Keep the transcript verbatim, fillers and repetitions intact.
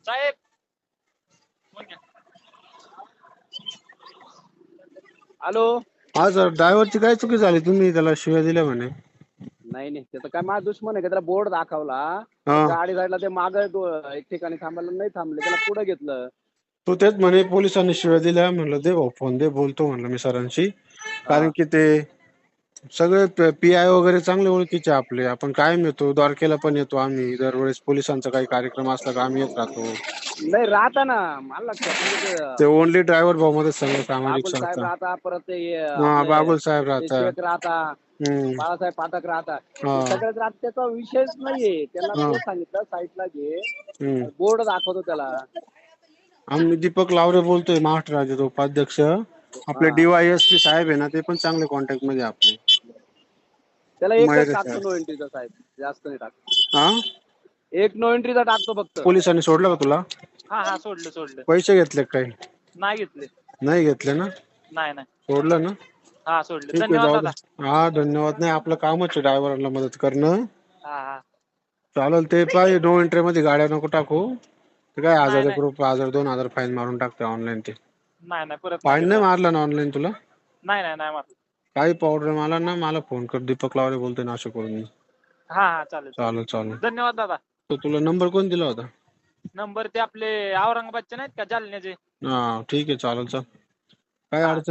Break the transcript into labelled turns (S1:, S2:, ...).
S1: साहेब phone घ्या. Hello.
S2: हा sir, ड्रायव्हरची काय चुकी झाली? तुम्ही त्याला शिव्या दिल्या म्हणे.
S1: नाही नाही, त्याचा काय माझा दुश्मन आहे का? त्याला बोर्ड दाखवला,
S2: हा
S1: गाडी जायला ते माग एक ठिकाणी थांबायला नाही थांबले, त्याला पुढे घेतलं.
S2: तो तेच म्हणे पोलिसांनी शिव्या दिल्या. म्हणलं दे भाऊ फोन दे, बोलतो म्हणलं मी सरांशी. कारण
S1: हा.
S2: की ते सगळे पी आय वगैरे चांगले ओळखीचे आपले. आपण कायम येतो, द्वारकेला पण येतो आम्ही. दरवेळेस पोलिसांचा काही कार्यक्रम असला का आम्ही येत राहतो.
S1: नाही राहता ना, मला लक्षात म्हणजे ते
S2: ते ओनली ड्रायव्हर भाऊ मध्ये सगळं सामाजिक
S1: बागुल साहेब
S2: संस्था.
S1: राहता, परत ते
S2: हा
S1: आपले
S2: बागुल साहेब
S1: ते
S2: राहतात.
S1: शेख राहता,
S2: हम्म.
S1: बाळासाहेब पाठक राहता,
S2: हा
S1: ते सगळ्यात राहत. त्याचा विषयच नाहीये. त्यांना
S2: हा
S1: ते सांगितलं साईडला घे,
S2: हम्म.
S1: बोर्ड दाखवतो त्याला.
S2: आम्ही दीपक लावरे बोलतोय, महाराष्ट्र राज्याचे उपाध्यक्ष. आपले
S1: हा.
S2: डीवायएसपी साहेब आहे ना, ते पण चांगले कॉन्टॅक्ट मध्ये आपले.
S1: त्याला एकच
S2: मयुरे
S1: टाकतो
S2: साहेब.
S1: नो एंट्रीचा साहेब, जास्त नाही टाकतो.
S2: हा
S1: एक नो एंट्रीचा टाकतो फक्त.
S2: पोलिसांनी सोडलं का तुला?
S1: हा हा, सोडलं सोडलं.
S2: पैसे घेतले का काही?
S1: नाही घेतले.
S2: नाही घेतले ना?
S1: नाही नाही.
S2: सोडलं ना?
S1: हा सोडलं.
S2: ठीक आहे,
S1: धन्यवाद
S2: जाऊ दे.
S1: दादा.
S2: हा धन्यवाद. नाही, आपलं कामच आहे ड्रायव्हरांना मदत करणं.
S1: हा हा.
S2: चालेल. ते पाहिजे नो एंट्री मध्ये गाड्या नको टाकू. ते काय
S1: नाही
S2: हजार एक
S1: नाही
S2: रुपये, हजार दोन हजार फाईन मारून टाकते ऑनलाईन. ते
S1: नाही नाही, परत
S2: फाईन
S1: घेत
S2: नाही
S1: आता.
S2: मारला ना ऑनलाईन तुला?
S1: नाही नाही नाही मारलं.
S2: काही प्रॉब्लेम आला ना मला फोन कर. दीपक लावरे बोलतोय, नाशिकवरून.
S1: हा हा, चालेल
S2: चालेल
S1: चालेल.
S2: चालेल.
S1: धन्यवाद दादा.
S2: तर तुला नंबर कोण दिला होता?
S1: नंबर ते आपले औरंगाबादचे नाहीत का, जालन्याचे.
S2: हा ठीक आहे, चालेल. चल, काय
S1: हा.
S2: अडचण